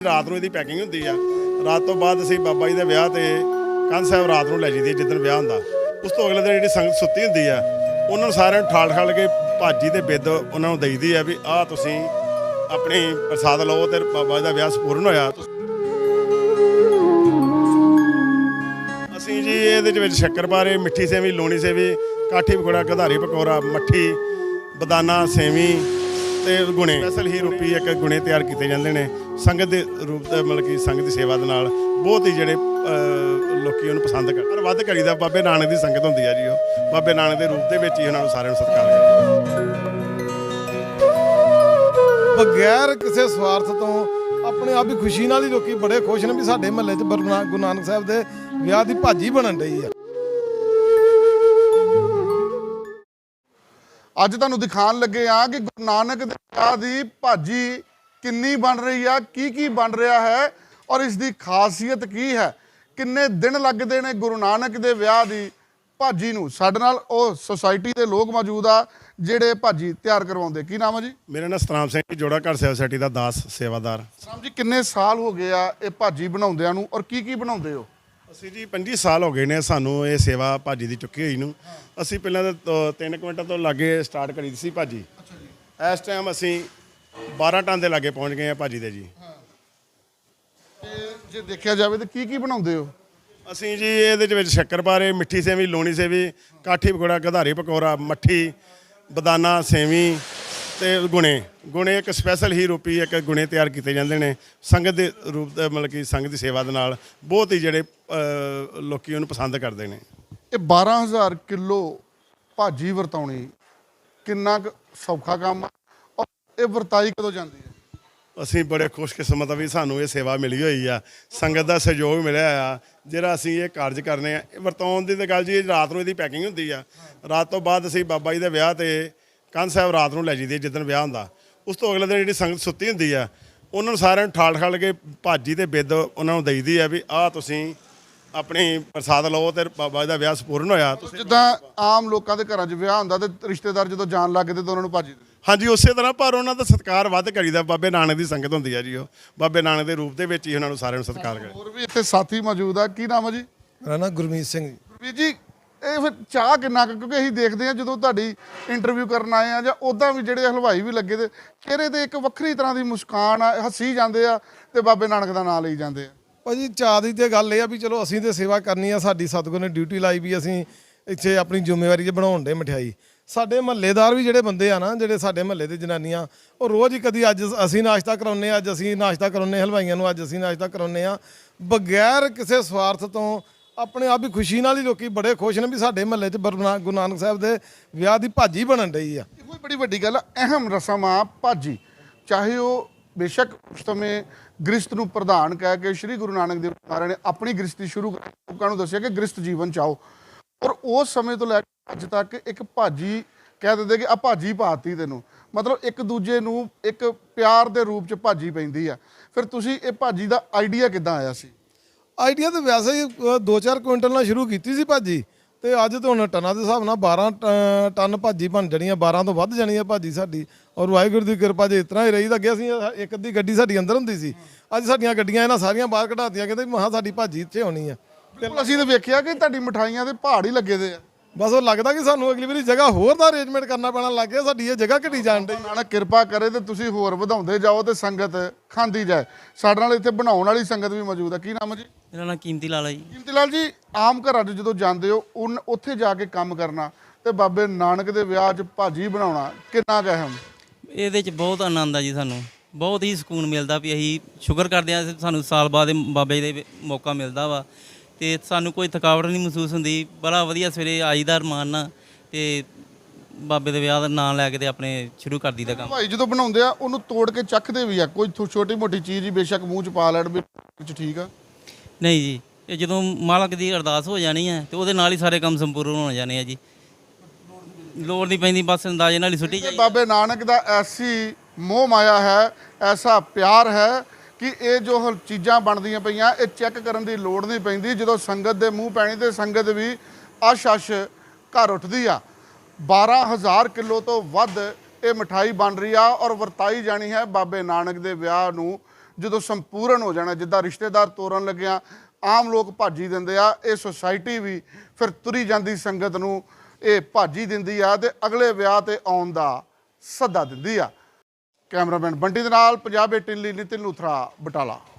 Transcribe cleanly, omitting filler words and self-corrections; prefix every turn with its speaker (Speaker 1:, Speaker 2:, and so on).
Speaker 1: ਰਾਤ ਨੂੰ ਇਹਦੀ ਪੈਕਿੰਗ ਹੁੰਦੀ ਆ। ਰਾਤ ਤੋਂ ਬਾਅਦ ਅਸੀਂ ਬਾਬਾ ਜੀ ਦੇ ਵਿਆਹ ਤੇ ਕੰਧ ਸਾਹਿਬ ਰਾਤ ਨੂੰ ਲੈ ਜੀਦੀ ਜਿੱਦਣ ਵਿਆਹ ਹੁੰਦਾ। ਉਸ ਤੋਂ ਅਗਲੇ ਦਿਨ ਜਿਹੜੀ ਸੰਗਤ ਸੁੱਤੀ ਹੁੰਦੀ ਆ ਉਹਨਾਂ ਨੂੰ ਸਾਰਿਆਂ ਨੂੰ ਠਾਲ ਕੇ ਭਾਜੀ ਤੇ ਬਿੱਦ ਉਹਨਾਂ ਨੂੰ ਦੇਈਦੀ ਆ ਵੀ ਆਹ ਤੁਸੀਂ ਆਪਣੀ ਪ੍ਰਸਾਦ ਲਓ ਤੇ ਬਾਬਾ ਜੀ ਦਾ ਵਿਆਹ ਸੰਪੂਰਨ ਹੋਇਆ। ਅਸੀਂ ਜੀ ਇਹਦੇ ਵਿੱਚ ਸ਼ੱਕਰਪਾਰੇ, ਮਿੱਠੀ ਸੇਵੀ, ਲੂਣੀ ਸੇਵੀ, ਕਾਠੀ ਪਕੌੜਾ, ਗਧਾਰੀ ਪਕੌੜਾ, ਮੱਠੀ, ਬਦਾਨਾ ਸੇਵੀ ਤੇ ਗੁਣੇ ਸਪੈਸ਼ਲ ਹੀ ਰੂਪੀ ਇੱਕ ਗੁਣੇ ਤਿਆਰ ਕੀਤੇ ਜਾਂਦੇ ਨੇ ਸੰਗਤ ਦੇ ਰੂਪ ਤੇ, ਮਤਲਬ ਕਿ ਸੰਗਤ ਦੀ ਸੇਵਾ ਦੇ ਨਾਲ ਬਹੁਤ ਹੀ ਜਿਹੜੇ ਲੋਕੀ ਉਹਨੂੰ ਪਸੰਦ ਕਰਦੇ। ਪਰ ਵੱਧ ਕਰੀਦਾ ਬਾਬੇ ਨਾਨਕ ਦੀ ਸੰਗਤ ਹੁੰਦੀ ਆ ਜੀ। ਉਹ ਬਾਬੇ ਨਾਨਕ ਦੇ ਰੂਪ ਦੇ ਵਿੱਚ ਹੀ ਉਹਨਾਂ ਨੂੰ ਸਾਰਿਆਂ ਨੂੰ ਸਤਿਕਾਰ ਕਰਦੇ
Speaker 2: ਬਗੈਰ ਕਿਸੇ ਸਵਾਰਥ ਤੋਂ ਆਪਣੇ ਆਪ ਹੀ ਖੁਸ਼ੀ ਨਾਲ ਹੀ ਲੋਕੀ ਬੜੇ ਖੁਸ਼ ਨੇ ਵੀ ਸਾਡੇ ਮਹੱਲੇ 'ਚ ਗੁਰੂ ਨਾਨਕ ਸਾਹਿਬ ਦੇ ਵਿਆਹ ਦੀ ਭਾਜੀ ਬਣਨ ਰਹੀ ਆ।
Speaker 3: ਅੱਜ ਤੁਹਾਨੂੰ ਦਿਖਾਉਣ ਲੱਗੇ ਆ ਕਿ ਗੁਰੂ ਨਾਨਕ ਦੇ ਵਿਆਹ ਦੀ ਭਾਜੀ ਕਿੰਨੀ ਬਣ ਰਹੀ ਆ, ਕੀ ਬਣ ਰਿਹਾ ਹੈ ਔਰ ਇਸ ਦੀ ਖਾਸੀਅਤ ਕੀ ਹੈ, ਕਿੰਨੇ ਦਿਨ ਲੱਗਦੇ ਨੇ ਗੁਰੂ ਨਾਨਕ ਦੇ ਵਿਆਹ ਦੀ ਭਾਜੀ ਨੂੰ। ਸਾਡੇ ਨਾਲ ਉਹ ਸੁਸਾਇਟੀ ਦੇ ਲੋਕ ਮੌਜੂਦ ਆ ਜਿਹੜੇ ਭਾਜੀ ਤਿਆਰ ਕਰਵਾਉਂਦੇ। ਕੀ ਨਾਮ ਹੈ ਜੀ?
Speaker 1: ਮੇਰਾ ਨਾਮ ਸਤਨਾਮ ਸਿੰਘ ਜੀ, ਜੋੜਾ ਘਰ ਸੇਵਾ ਸੋਸਾਇਟੀ ਦਾ ਦਾਸ ਸੇਵਾਦਾਰ।
Speaker 3: ਸਤਨਾਮ ਜੀ, ਕਿੰਨੇ ਸਾਲ ਹੋ ਗਏ ਆ ਇਹ ਭਾਜੀ ਬਣਾਉਂਦਿਆਂ ਨੂੰ ਔਰ ਕੀ ਬਣਾਉਂਦੇ ਹੋ?
Speaker 1: ਅਸੀਂ ਜੀ 25 ਸਾਲ ਹੋ ਗਏ ਨੇ ਸਾਨੂੰ ਇਹ ਸੇਵਾ ਭਾਜੀ ਦੀ ਚੁੱਕੀ ਹੋਈ ਨੂੰ। ਅਸੀਂ ਪਹਿਲਾਂ ਤਾਂ 3 ਕੁਇੰਟਲ ਤੋਂ ਲਾਗੇ ਸਟਾਰਟ ਕਰੀ ਸੀ ਭਾਜੀ। ਇਸ ਟਾਈਮ ਅਸੀਂ 12 ਟਨ ਦੇ ਲਾਗੇ ਪਹੁੰਚ ਗਏ ਆ ਭਾਜੀ ਦੇ ਜੀ।
Speaker 3: ਤੇ ਜੇ ਦੇਖਿਆ ਜਾਵੇ ਤਾਂ ਕੀ ਬਣਾਉਂਦੇ ਹੋ?
Speaker 1: ਅਸੀਂ ਜੀ ਇਹਦੇ ਵਿੱਚ ਸ਼ੱਕਰਪਾਰੇ, ਮਿੱਠੀ ਸੇਵੀ, ਲੂਣੀ ਸੇਵੀ, ਕਾਠੀ ਪਕੌੜਾ, ਗਧਾਰੀ ਪਕੌੜਾ, ਮੱਠੀ, ਬਦਾਨਾ ਸੇਵੀ ਤੇ ਗੁਣੇ ਇੱਕ ਸਪੈਸ਼ਲ ਹੀ ਰੂਪੀ ਇੱਕ ਗੁਣੇ ਤਿਆਰ ਕੀਤੇ ਜਾਂਦੇ ਨੇ ਸੰਗਤ ਦੇ ਰੂਪ ਤੇ, ਮਤਲਬ ਕਿ ਸੰਗਤ ਦੀ ਸੇਵਾ ਦੇ ਨਾਲ ਬਹੁਤ ਹੀ ਜਿਹੜੇ ਲੋਕੀ ਉਹਨੂੰ ਪਸੰਦ ਕਰਦੇ ਨੇ।
Speaker 3: ਇਹ 12,000 ਕਿਲੋ ਭਾਜੀ ਵਰਤਾਉਣੀ ਕਿੰਨਾ ਕੁ ਸੌਖਾ ਕੰਮ ਆ ਔਰ ਇਹ ਵਰਤਾਈ ਕਦੋਂ ਜਾਂਦੀ ਹੈ?
Speaker 1: ਅਸੀਂ ਬੜੇ ਖੁਸ਼ਕਿਸਮਤ ਆ ਵੀ ਸਾਨੂੰ ਇਹ ਸੇਵਾ ਮਿਲੀ ਹੋਈ ਆ, ਸੰਗਤ ਦਾ ਸਹਿਯੋਗ ਮਿਲਿਆ ਆ ਜਿਹੜਾ ਅਸੀਂ ਇਹ ਕਾਰਜ ਕਰਨੇ ਆ। ਵਰਤਾਉਣ ਦੀ ਤਾਂ ਗੱਲ ਜੀ ਰਾਤ ਨੂੰ ਇਹਦੀ ਪੈਕਿੰਗ ਹੁੰਦੀ ਆ। ਰਾਤ ਤੋਂ ਬਾਅਦ ਅਸੀਂ ਬਾਬਾ ਜੀ ਦੇ ਵਿਆਹ ਤੇ ਕੰਧ ਸਾਹਿਬ ਰਾਤ ਨੂੰ ਲੈ ਜੀਦੀ ਜਿੱਦਣ ਵਿਆਹ ਹੁੰਦਾ। ਉਸ ਤੋਂ ਅਗਲੇ ਦਿਨ ਜਿਹੜੀ ਸੰਗਤ ਸੁੱਤੀ ਹੁੰਦੀ ਆ ਉਹਨਾਂ ਨੂੰ ਸਾਰਿਆਂ ਨੂੰ ਠਾਲ ਕੇ ਭਾਜੀ ਤੇ ਬਿੱਦ ਉਹਨਾਂ ਨੂੰ ਦੇਈਦੀ ਆ ਵੀ ਆਹ ਤੁਸੀਂ ਆਪਣੀ ਪ੍ਰਸਾਦ ਲਓ ਤੇ ਬਾਬਾ ਜੀ ਦਾ ਵਿਆਹ ਸੰਪੂਰਨ ਹੋਇਆ।
Speaker 3: ਜਿੱਦਾਂ ਆਮ ਲੋਕਾਂ ਦੇ ਘਰਾਂ 'ਚ ਵਿਆਹ ਹੁੰਦਾ ਤੇ ਰਿਸ਼ਤੇਦਾਰ ਜਦੋਂ ਜਾਣ ਲੱਗਦੇ ਤਾਂ ਉਹਨਾਂ ਨੂੰ ਭਾਜੀ ਦਿੰਦੇ।
Speaker 1: ਹਾਂਜੀ, ਉਸੇ ਤਰ੍ਹਾਂ ਪਰ ਉਹਨਾਂ ਦਾ ਸਤਿਕਾਰ ਵੱਧ ਕਰੀਦਾ। ਬਾਬੇ ਨਾਨਕ ਦੀ ਸੰਗਤ ਹੁੰਦੀ ਆ ਜੀ। ਉਹ ਬਾਬੇ ਨਾਨਕ ਦੇ ਰੂਪ ਦੇ ਵਿੱਚ ਹੀ ਉਹਨਾਂ ਨੂੰ ਸਾਰਿਆਂ ਨੂੰ ਸਤਿਕਾਰ ਕਰਦੇ।
Speaker 3: ਹੋਰ ਵੀ ਇੱਥੇ ਸਾਥੀ ਮੌਜੂਦ ਆ। ਕੀ ਨਾਮ ਹੈ ਜੀ?
Speaker 2: ਮੇਰਾ ਨਾਮ ਗੁਰਮੀਤ ਸਿੰਘ ਜੀ।
Speaker 3: ਗੁਰਮੀਤ ਜੀ, ਇਹ ਫਿਰ ਚਾਹ ਕਿੰਨਾ ਕੁ, ਕਿਉਂਕਿ ਅਸੀਂ ਦੇਖਦੇ ਹਾਂ ਜਦੋਂ ਤੁਹਾਡੀ ਇੰਟਰਵਿਊ ਕਰਨ ਆਏ ਆ ਜਾਂ ਉੱਦਾਂ ਵੀ ਜਿਹੜੇ ਹਲਵਾਈ ਵੀ ਲੱਗੇ ਤੇ ਚਿਹਰੇ ਤੇ ਇੱਕ ਵੱਖਰੀ ਤਰ੍ਹਾਂ ਦੀ ਮੁਸਕਾਨ ਆ, ਹੱਸੀ ਜਾਂਦੇ ਆ ਤੇ ਬਾਬੇ ਨਾਨਕ ਦਾ ਨਾਮ ਲਈ ਜਾਂਦੇ ਆ।
Speaker 2: ਭਾਜੀ ਚਾਹ ਦੀ ਤੇ ਗੱਲ ਇਹ ਆ ਵੀ ਚਲੋ ਅਸੀਂ ਤੇ ਸੇਵਾ ਕਰਨੀ ਆ, ਸਾਡੀ ਸਤਿਗੁਰ ਨੇ ਡਿਊਟੀ ਲਾਈ ਵੀ ਅਸੀਂ ਇੱਥੇ ਆਪਣੀ ਜ਼ਿੰਮੇਵਾਰੀ 'ਚ ਬਣਾਉਣ ਦੇ ਮਠਿਆਈ। ਸਾਡੇ ਮਹੱਲੇਦਾਰ ਵੀ ਜਿਹੜੇ ਬੰਦੇ ਆ ਨਾ, ਜਿਹੜੇ ਸਾਡੇ ਮਹੱਲੇ ਦੇ ਜਨਾਨੀਆਂ, ਉਹ ਰੋਜ਼ ਹੀ ਕਦੀ ਅੱਜ ਅਸੀਂ ਨਾਸ਼ਤਾ ਕਰਾਉਂਦੇ ਆ, ਅੱਜ ਅਸੀਂ ਨਾਸ਼ਤਾ ਕਰਾਉਂਦੇ ਹਲਵਾਈਆਂ ਨੂੰ, ਅੱਜ ਅਸੀਂ ਨਾਸ਼ਤਾ ਕਰਾਉਂਦੇ ਆ। ਬਗੈਰ ਕਿਸੇ ਸਵਾਰਥ ਤੋਂ ਆਪਣੇ ਆਪ ਹੀ ਖੁਸ਼ੀ ਨਾਲ ਹੀ ਲੋਕੀ ਬੜੇ ਖੁਸ਼ ਨੇ ਵੀ ਸਾਡੇ ਮਹੱਲੇ 'ਚ ਗੁਰੂ ਨਾਨਕ ਸਾਹਿਬ ਦੇ ਵਿਆਹ ਦੀ ਭਾਜੀ ਬਣਨ ਰਹੀ ਆ।
Speaker 3: ਇਹ ਕੋਈ ਬੜੀ ਵੱਡੀ ਗੱਲ ਆ। ਅਹਿਮ ਰਸਮ ਆ ਭਾਜੀ, ਚਾਹੇ ਉਹ ਬੇਸ਼ੱਕ ਉਸ ਸਮੇਂ ਗ੍ਰਸਤ ਨੂੰ ਪ੍ਰਧਾਨ ਕਹਿ ਕੇ ਸ਼੍ਰੀ ਗੁਰੂ ਨਾਨਕ ਦੇਵ ਮਹਾਰਾਜ ਨੇ ਆਪਣੀ ਗ੍ਰਸਤੀ ਸ਼ੁਰੂ ਕਰ ਲੋਕਾਂ ਨੂੰ ਦੱਸਿਆ ਕਿ ਗ੍ਰਸਤ ਜੀਵਨ ਚਾਓ, ਔਰ ਉਸ ਸਮੇਂ ਤੋਂ ਲੈ ਕੇ ਅੱਜ ਤੱਕ ਇੱਕ ਭਾਜੀ ਕਹਿ ਦਿੰਦੇ ਕਿ ਆ ਭਾਜੀ ਪਾਤੀ ਤੈਨੂੰ, ਮਤਲਬ ਇੱਕ ਦੂਜੇ ਨੂੰ ਇੱਕ ਪਿਆਰ ਦੇ ਰੂਪ 'ਚ ਭਾਜੀ ਪੈਂਦੀ ਆ। ਫਿਰ ਤੁਸੀਂ ਇਹ ਭਾਜੀ ਦਾ ਆਈਡੀਆ ਕਿੱਦਾਂ ਆਇਆ ਸੀ?
Speaker 2: ਆਈਡੀਆ ਤਾਂ ਵੈਸੇ ਹੀ 2-4 ਕੁਇੰਟਲ ਨਾਲ ਸ਼ੁਰੂ ਕੀਤੀ ਸੀ ਭਾਜੀ, ਤੇ ਅੱਜ ਤਾਂ ਹੁਣ ਟਨਾਂ ਦੇ ਹਿਸਾਬ ਨਾਲ 12 ਟਨ ਭਾਜੀ ਬਣ ਜਾਣੀ ਆ, 12 ਤੋਂ ਵੱਧ ਜਾਣੀ ਆ ਭਾਜੀ ਸਾਡੀ। ਔਰ ਵਾਹਿਗੁਰੂ ਦੀ ਕਿਰਪਾ ਜੇ ਇਸ ਤਰ੍ਹਾਂ ਹੀ ਰਹੀ ਤਾਂ ਅੱਗੇ ਅਸੀਂ ਇੱਕ ਅੱਧੀ ਗੱਡੀ ਸਾਡੀ ਅੰਦਰ ਹੁੰਦੀ ਸੀ, ਅੱਜ ਸਾਡੀਆਂ ਗੱਡੀਆਂ ਇਹਨਾਂ ਸਾਰੀਆਂ ਬਾਹਰ ਕਢਾਤੀਆਂ, ਕਹਿੰਦੇ ਮਹਾਂ ਸਾਡੀ ਭਾਜੀ ਇੱਥੇ ਹੋਣੀ ਆ।
Speaker 3: ਬਿਲਕੁਲ, ਅਸੀਂ ਤਾਂ ਵੇਖਿਆ ਕਿ ਤੁਹਾਡੀ ਮਠਾਈਆਂ ਦੇ ਪਹਾੜ ਹੀ ਲੱਗੇ ਦੇ ਆ।
Speaker 2: ਬਸ ਉਹ ਲੱਗਦਾ ਕਿ ਸਾਨੂੰ ਅਗਲੀ ਵਾਰੀ ਜਗ੍ਹਾ ਹੋਰ ਦਾ ਅਰੇਂਜਮੈਂਟ ਕਰਨਾ ਪੈਣਾ ਲੱਗ ਗਿਆ, ਸਾਡੀ ਇਹ ਜਗ੍ਹਾ ਘਟੀ ਜਾਣ ਡਈ।
Speaker 3: ਨਾਨਕ ਕਿਰਪਾ ਕਰੇ ਤੇ ਤੁਸੀਂ ਹੋਰ ਵਧਾਉਂਦੇ ਜਾਓ ਤੇ ਸੰਗਤ ਖਾਂਦੀ ਜਾਏ। ਸਾਡੇ ਨਾਲ ਇੱਥੇ ਬਣਾਉਣ ਵਾਲੀ ਸੰਗਤ ਵੀ ਮੌਜੂਦ ਆ। ਕੀ ਨਾਮ ਹੈ ਜੀ?
Speaker 4: ਮੇਰਾ ਨਾਮ ਕੀਮਤੀ ਲਾਲ ਹੈ ਜੀ।
Speaker 3: ਕੀਮਤੀ ਲਾਲ ਜੀ, ਆਮ ਘਰਾਂ 'ਚ ਜਦੋਂ ਜਾਂਦੇ ਹੋ ਉੱਥੇ ਜਾ ਕੇ ਕੰਮ ਕਰਨਾ ਤੇ ਬਾਬੇ ਨਾਨਕ ਦੇ ਵਿਆਹ 'ਚ ਭਾਜੀ ਬਣਾਉਣਾ ਕਿੰਨਾ ਕੁ ਅਹਿਮ?
Speaker 4: ਇਹਦੇ 'ਚ ਬਹੁਤ ਆਨੰਦ ਆ ਜੀ, ਸਾਨੂੰ ਬਹੁਤ ਹੀ ਸਕੂਨ ਮਿਲਦਾ ਵੀ ਅਸੀਂ ਸ਼ੁਕਰ ਕਰਦੇ ਹਾਂ ਸਾਨੂੰ ਸਾਲ ਬਾਅਦ ਬਾਬੇ ਦੇ ਮੌਕਾ ਮਿਲਦਾ ਵਾ ਤੇ ਸਾਨੂੰ ਕੋਈ ਥਕਾਵਟ ਨਹੀਂ ਮਹਿਸੂਸ ਹੁੰਦੀ। ਬੜਾ ਵਧੀਆ ਸਵੇਰੇ ਆਈਦਾ ਰਮਾਨ ਨਾਲ ਤੇ ਬਾਬੇ ਦੇ ਵਿਆਹ ਦਾ ਨਾਂ ਲੈ ਕੇ ਤੇ ਆਪਣੇ ਸ਼ੁਰੂ ਕਰ ਦਈਦਾ ਕੰਮ।
Speaker 3: ਭਾਈ ਜਦੋਂ ਬਣਾਉਂਦੇ ਆ ਉਹਨੂੰ ਤੋੜ ਕੇ ਚੱਖਦੇ ਵੀ ਆ, ਕੋਈ ਛੋਟੀ ਮੋਟੀ ਚੀਜ਼ ਹੀ ਬੇਸ਼ੱਕ ਮੂੰਹ 'ਚ ਪਾ ਲੈਣ ਵਿੱਚ, ਠੀਕ ਆ?
Speaker 4: ਨਹੀਂ ਜੀ, ਇਹ ਜਦੋਂ ਮਾਲਕ ਦੀ ਅਰਦਾਸ ਹੋ ਜਾਣੀ ਹੈ ਤੇ ਉਹਦੇ ਨਾਲ ਹੀ ਸਾਰੇ ਕੰਮ ਸੰਪੂਰਨ ਹੋ ਜਾਣੇ ਆ ਜੀ, ਲੋੜ ਨਹੀਂ ਪੈਂਦੀ, ਬਸ ਅੰਦਾਜ਼ੇ ਨਾਲ ਹੀ ਸੁੱਟੀ ਜਾਈ।
Speaker 3: ਬਾਬੇ ਨਾਨਕ ਦਾ ਐਸੀ ਮੋਹ ਮਾਇਆ ਹੈ, ਐਸਾ ਪਿਆਰ ਹੈ ਕਿ ਇਹ ਜੋ ਚੀਜ਼ਾਂ ਬਣਦੀਆਂ ਪਈਆਂ ਇਹ ਚੈੱਕ ਕਰਨ ਦੀ ਲੋੜ ਨਹੀਂ ਪੈਂਦੀ। ਜਦੋਂ ਸੰਗਤ ਦੇ ਮੂੰਹ ਪੈਣੀ ਤੇ ਸੰਗਤ ਵੀ ਅਸ਼ ਘਰ ਉੱਠਦੀ ਆ। 12,000 ਕਿਲੋ ਤੋਂ ਵੱਧ ਇਹ ਮਠਾਈ ਬਣ ਰਹੀ ਆ ਔਰ ਵਰਤਾਈ ਜਾਣੀ ਹੈ ਬਾਬੇ ਨਾਨਕ ਦੇ ਵਿਆਹ ਨੂੰ ਜਦੋਂ ਸੰਪੂਰਨ ਹੋ ਜਾਣਾ, ਜਿੱਦਾਂ ਰਿਸ਼ਤੇਦਾਰ ਤੋਰਨ ਲੱਗਿਆ ਆਮ ਲੋਕ ਭਾਜੀ ਦਿੰਦੇ ਆ, ਇਹ ਸੁਸਾਇਟੀ ਵੀ ਫਿਰ ਤੁਰੀ ਜਾਂਦੀ ਸੰਗਤ ਨੂੰ ਇਹ ਭਾਜੀ ਦਿੰਦੀ ਆ ਤੇ ਅਗਲੇ ਵਿਆਹ ਤੇ ਆਉਣ ਦਾ ਸੱਦਾ ਦਿੰਦੀ ਆ। ਕੈਮਰਾਮੈਨ ਬੰਟੀ ਦੇ ਨਾਲ ਪੰਜਾਬ 18 ਲਈ ਨਿਤਿਨ ਲੂਥਰਾ ਬਟਾਲਾ।